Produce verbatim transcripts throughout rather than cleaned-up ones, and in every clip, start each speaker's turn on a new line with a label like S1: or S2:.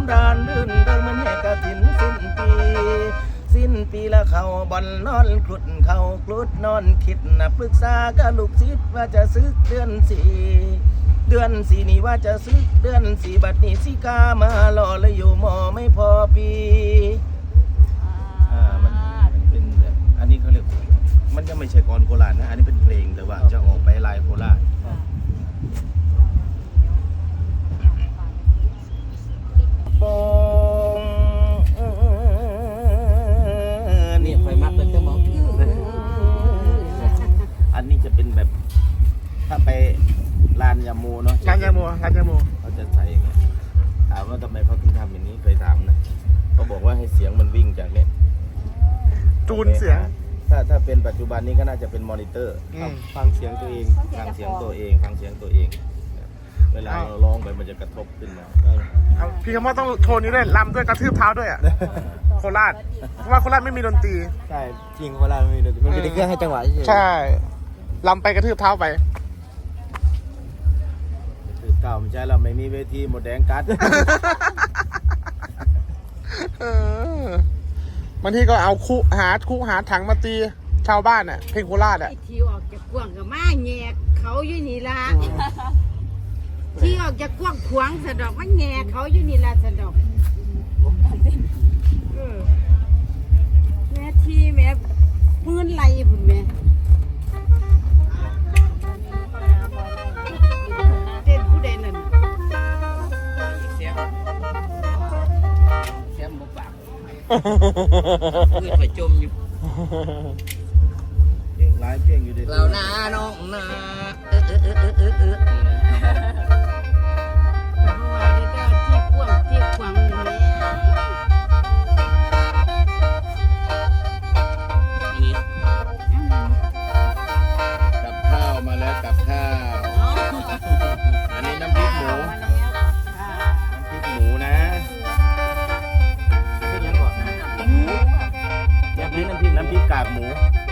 S1: ดานลื่นเดินมันแห่กระถินสิ้นปีสิ้นปีละเขาบอลนอนคลุดเขาคลุดนอนคิดนะปรึกษากับลูกศิษย์ว่าจะซื้อเดือนสี่เดือนสี่นี่ว่าจะซื้อเดือนสี่บัดนี้สิกามาหล่อเลยอยู่มอไม่พอปีอ่ามันมันเป็นแบบอันนี้เขาเรียกมันจะไม่ใช่กรโคราชนะอันนี้เป็นเพลงแต่ว่าจะออกไปลายโคราชโป่ง
S2: นี่ไฟมัดเป็นจะมอง
S1: อันนี้จะเป็นแบบถ้าไปลานยาโมเนาะ
S3: ลานยาโมลานยาโม
S1: เขาจะใส่อย่างเงี้ยถามว่าทำไมเขาถึงทำอย่างนี้เคยถามนะเขาบอกว่าให้เสียงมันวิ่งจากเนี้ย
S3: จูนเสียง
S1: ถ้าถ้าเป็นปัจจุบันนี้ก็น่าจะเป็นมอนิเตอร์
S3: ฟังเสียงตัวเอง
S1: ฟังเสียงตัวเองฟังเสียงตัวเองเวลาเราร้องไปมันจะกระทบขึ้นมา
S3: พี่คำว่าต้องโชว์นี้ด้วยลำด้วยกระทืบเท้าด้วยอ่ะโคราชเพราะว่าโคราชไม่มีดนตรี
S2: ใช่จริงโคราชไม่มีดนตรีมันเป็นเครื่องให้จังหวะเฉย
S3: ใช่ลำไปกระทืบเท้าไป
S1: คือเก่าไม่ใช่เราไม่มีเวทีหมดแดงกัด
S3: บางทีก็เอาคู่หาคู่หาถังมาตีชาวบ้านอ่ะเพลงโคราชอ่ะ
S4: ที่ออกจากกว้างกับมาแงกเขาอยู่นี่ละที่ออกจากกว้างขวางสะดอกว่าแงกเขาอยู่นี่ละสะดอกแม่ที่แม่ปืนไหลพุ่นแม่เต้นผู้ใดนั่น
S2: เสียงเสียงบุปผาเพื่อนไปจมอยู่
S1: เพลงหลายเพลงอยู่ดิ
S2: เราหน้าน้องหน้าเออเออเออเออเออเออ
S4: ที่กว้างที่ขวางแม่
S1: กับข้าวมาแล้วกับข้าวอันนี้น้ำพริกหมูน้ำพริกหมูนะ
S2: เป็นยังก่อน
S1: น้ำพริกน้ำพริกน้ำพริกกากหมู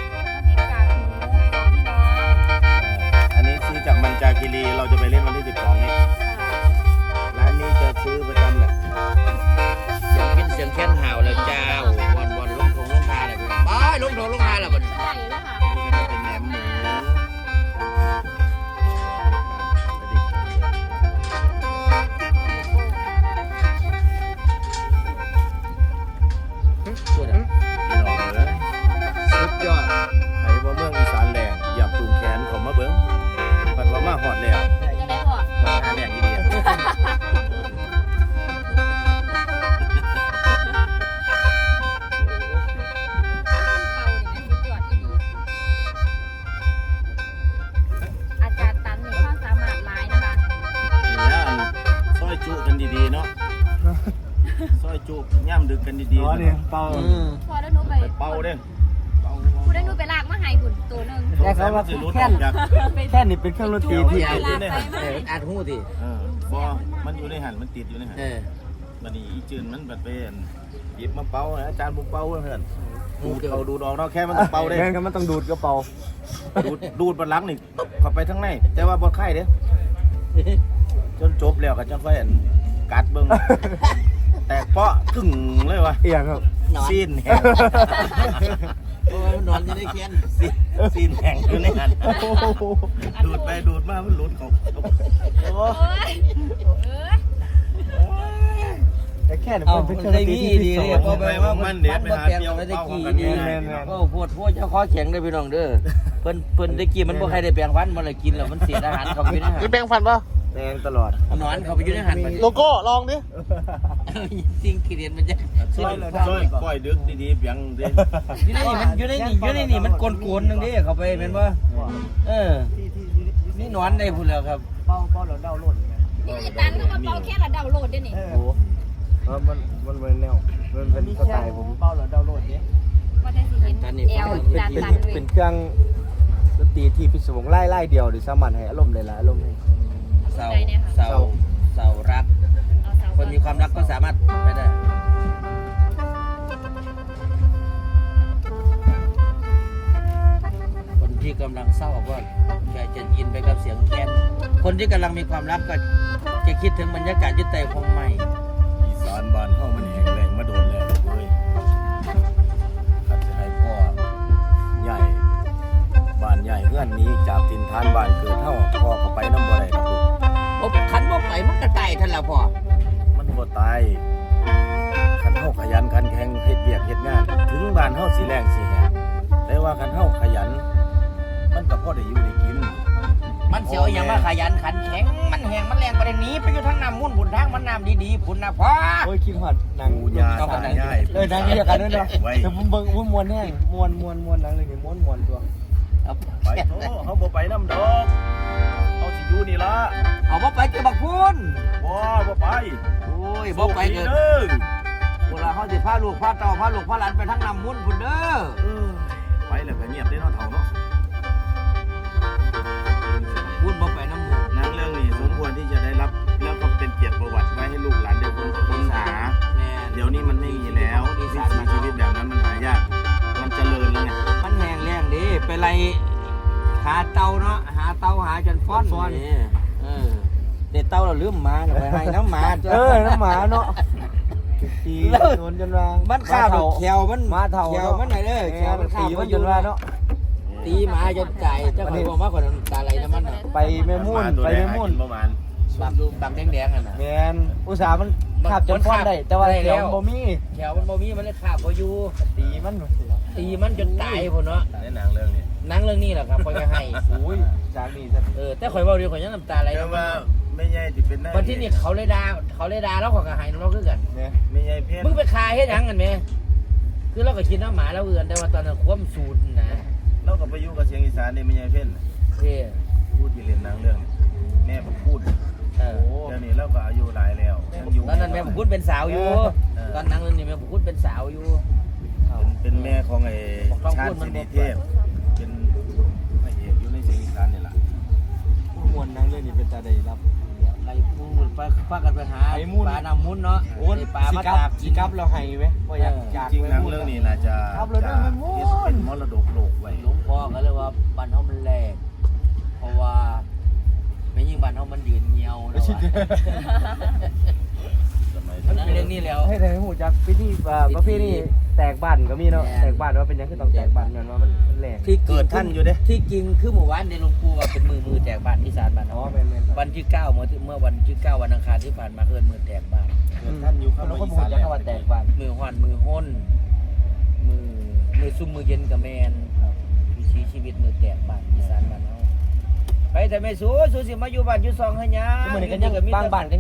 S1: อันนี้ซื้อจากมันจาคีรีเราจะไปเล่นวันที่สิบสองนี้ร้านนี้จะซื้อประจำแหละ
S2: เสียงขึ้นเสียงแค้นห่าวแล้วเจ้าวันวันลงทงลงทาอะไรไปไปลงทงลงทาแล้วบัดนี้
S1: นี่ก็จะเป็นแหนมหมู
S2: พูดอ่ะ
S1: พี่น้องเลยสุดยอดไอ้บ่เมืองอีสานแรงอย่าปรุงแขนเขามาเบิ้งปัดว่ามาหอดแล้วหอดแรงทีเดียว
S4: อาจารย์ตันมีความสามารถหลายนะคะ
S1: เนี่ยซอยจุกันดีๆเนาะซอยจุย่ำดึกกันดีๆอ๋อเนี่ยเป่า
S4: พอได้หนูไป
S1: เป่าเด้
S4: คุณได้หนูไปลากมาให้คุณตัวนึง
S2: แค่เขาว่าแค่แค่นี่เป็นเครื่องดนตรีที่อาดหูดิ
S1: บอมันอยู่ในหันมันติดอยู่ในหันมันนี่อีจืนมันแบบเป็นหยิบมาเป่าอาจารย์บุกเป่าเพื่อนดูดเอาดูดออกเนาะแค่มันต้องเป่าได้
S2: แค่ก็มันต้องดูดก็เป่า
S1: ดูดดูดบนหลังนี่เข้าไปทั้งในแต่ว่าบนไข่เด้จนจบแล้วก็จะค่อยกัดเบิ้งแตกเปาะกึ่งเลยวะ
S2: เอียงครับ
S1: ซีนแห้ง
S2: โอ้ยนอนจะได้เคียน
S1: ซีนแห้งอยู่ในหันดูดไปดูดมามันหลุดเขาโอ้
S2: แต่แค่เนี่ยมันเป็นเครื่องดนตรีที่ดีเลยเพราะว่ามันเดี๋ยวไปหาเปียวได้กี่ดีก็ปวดพวกเจ้าข้อแข็งได้พี่น้องเด้อเพิ่นเพิ่นได้กินมันบ่ใครได้แปลงฟันมันเลยกินแล้วมันเสียอาหารเขาไปนะ
S3: นี่แปลงฟันป่ะ
S1: แปลงตลอด
S2: นอนเขาไปอยู่ในหัน
S3: โลโก้ลองดิ
S2: จริงขีดเรียนมันจะ
S1: ช่วยช่วยปล่อยดึกดีๆเปียงดิ
S2: อยู่ในนี่มันอยู่ในนี่อยู่ในนี่มันโกนๆนึงดิเขาไปเป็นป่ะเออนี่นอนได้พูดแล้วครับ
S1: เป้าเป้าเราเดาโหลด
S4: นี่อีตันก็มาเป้าแค่เราเดาโหลดได้นี่
S1: โอ้เพราะมันมันเป็นแนวมันเป็นสไตล์ผมเป้าเราเดาโหลดเนี่ย
S4: ว่าได้สิเห็นเอวตันตัน
S2: เป็นเครื่องดนตรีที่พิศวงไล่ไล่เดียวหรือสามัญให้อารมณ์เลยละอารมณ์ให้เศร้าเศร้าเศร้ารักคนมีความรักก็สามารถไปได้คนที่กำลังเศร้าก็อยากจะยินไปกับเสียงแคนคนที่กำลังมีความรักก็จะคิดถึงบรรยากาศยึดใจคงใหม่
S1: สารบ้านเฮามันแห้งแล้งมาโดนแล้วเว้ยคันสิให้พ่อใหญ่บ้านใหญ่เฮือนนี้จากถิ่นฐานบ้านเกิดเฮาพ่อก็ไปนำบ่ได้ดอกลูก
S2: โอ้คันบ่ไปมันก็ตายท่านละพ่อ
S1: มันบ่ตายคันเฮาขยันขันแข็งเฮ็ดเวียกเฮ็ดงาน ถึงบ้านเฮาสิแรงสิแห้งแต่ว่าคันเฮาขยัน มันก็พอได้อยู่ได้กิน
S2: มันเสียวอย่างว่าขยันขันแข็งมันแหงมันแรงไปได้หนีไปอยู่ทางน้ำมุ่นผุนทางมันน้ำดีๆผุนนะพ่อ
S3: โอ้ยคิดฮอดหนัง
S1: ปูยาตายาย
S3: เออหนังเดียวกันด้วยเนาะ
S1: ไว้
S3: แต่ผมเบิ่งอุ้ยมวนแห้งมวนมวนมวนหนังเลยนี่มวนมวนตัว
S2: เอา
S1: ไปโตเฮาบ่ไปนำดอกเฮาสิอยู่นี่ล่ะ
S2: เอาบ่ไปเก็บบักพูน
S1: บ่บ่ไป
S2: โอ้ยบ่ไปเกิด
S1: เด้อ
S2: เวลาเขาสิพาลูกพาเต่าพาลูกพาหลานไปทางน้ำมุ่นผุนเด้อ
S1: เออไปแล้วก็เงียบได้เนาะเฒ่าเนาะ
S2: พูนบ่ไปน้ำหมู่
S1: หนังเรื่องนี้สมควรที่จะได้รับแล้วก็เป็นเกียรติประวัติไว้ให้ลูกหลานได้ค้นหา
S2: แม่
S1: เดี๋ยวนี้มันไม่มีแล้ววิถีชีวิตแบบนั้นมันหายาก มันเจริญแล้วไง
S2: มันแหงแรงดิไปไล่หาเต่าเนาะหาเต่าหาจนฟ้อนนี่เออเด็ดเต่าเราลืมหมาน่ะไปให้น้ำหมา
S3: เออน้ำหมาเนาะตีโดนจนว่า
S2: มั
S3: มัน
S2: ข้าวดอกแขวมัน
S3: มาเท่า
S2: แขวมันไหนเด้อแขวมันข้า
S3: ตี
S2: ว
S3: มั
S2: มัน น
S3: จ
S2: จ
S3: น
S2: น
S3: ว่า
S2: ว่า
S3: เนาะ
S2: ตีหมาจนใจเจ้าของบอกว่าคนตาไหลน้ำมันน่ะ
S3: ไปแม่มุ่นไปแม่มุ่น
S1: ประมาณ
S2: บักบักแดงๆอ่ะนะ
S3: แมนอุตสาห์มันขับจนฟ้อนได้ แต่ว่า
S2: ได้
S3: เดี๋ยว
S2: แล้ว
S3: บ่มี
S2: แขวมันบ่มีมันเลยขาบบ่อยู่
S3: ตีมัน
S2: ตีมันจนตายพุ่นเนาะ
S1: ในหนังเรื่องนี้
S2: หนังเรื่องนี้แหละครับข่อยก็ให้
S3: โอ้ยจากนี้จะ
S2: เออแต่ข่อยเว้าเดียวข่อยยังน้ำตาไหล
S1: แต่
S2: น้ำมั
S1: ว่าน ไม่ใหญ่ที่เป็นได้
S2: วันที่นี่เขาเลยด่าเขาเลยด่าแล้วข่อยก็ให้น้ำเราคือกัน
S3: เนี่ย
S1: ไม่ใหญ่เพี้ยน
S2: มึงไปคายเฮ็ดหยังกันแม่คือเราก็คิดน้ำหมาแล้วเอือนแต่ว่าตอนนั้นความสูตรนะ
S1: เราก็ไปอยู่กับเสียงอีสานนี่ไม่ใหญ่เพี้ยน
S2: เท่
S1: พูดที่เล่นหนังเรื่องนี้แม่ผมพูด
S2: เออ
S1: เดี๋ยวนี้เราก็อายุหลายแล้วยังอยู่
S2: ตอนนั้นแม่ผมพูดเป็นสาวอยู่ ตอนหนังเรื่องนี้แม่ผมพูดเป็นสาวอยู่
S1: เป็นแม่ของไอ้
S2: บอกต้อง
S1: ชา
S2: พู
S1: ติ
S2: ดมัน
S1: สิ
S2: บ
S1: ริ
S2: อก
S1: เทพเป็นพระเอกอยู่ในเสียงอีสานนี่แหละ
S3: มวนนั่งเรื่องนี้เป็นตาได้รับ
S2: ไรพูดไปพากันไปหา
S3: ไอ้มุ่น
S2: ปลาน้ำมุนเนาะ
S3: โอ้ย
S2: ไอ้ปลา
S3: สิ
S2: มา
S3: กับ
S2: ตาก
S3: สิ
S2: กิน
S3: กับเราให้ไหมว่าอยากอยาก
S1: จริงๆหนังเรื่องนี้น่าจะ
S3: ครับเราได้ไม่มุ่น
S1: เป็นมรดกโลกไว้
S2: หลวงพ่อก็เลยว่าบ้านเฮามันแรงเพราะว่าไม่ยิ่งบ้านเฮามันยืนเงียวแล้วอะ
S1: สมัย
S2: มัน
S1: นั้น
S2: เป็นเรื่องนี้แล้ว
S3: ให้ทางหูจักพิธีอ่าประเพณีแตกบ้านก็มีเนาะ
S2: แม่น
S3: แตกบ้านว่าเป็นหยังคือต้องแตกบ้านย้อนว่ามันมันแรง
S2: ที่
S1: เกิดท่านอยู่เด้
S2: ที่จริงคือหมู่บ้านในหลวงปู่ว่าเป็นมือมือแตกบ้านที่ศาลบ้าน
S3: อ๋อ
S2: เฮา
S3: แม่นแม่น
S2: วันที่เก้าเมื่อเมื่อวันที่เก้าวันอังคารที่ผ่านมาเกิดมือแตกบ้าน
S1: เกิดท่านอยู่ข้าง
S3: เรา
S1: บ
S3: ก็
S1: น
S3: พูดจักว่าแตกบ้าน
S2: มือหอนมือห้นมือมือซุ่มมือเย็นกับแมนวิถีชีวิตมือแตกบ้านอีสานบ้านเฮาไปแต่ไม่สู้สู้สิมาอยู่บ้านอยู่ซองให้หยัง
S3: ทุกมื้อนี้ก็ยังบางบ้านก็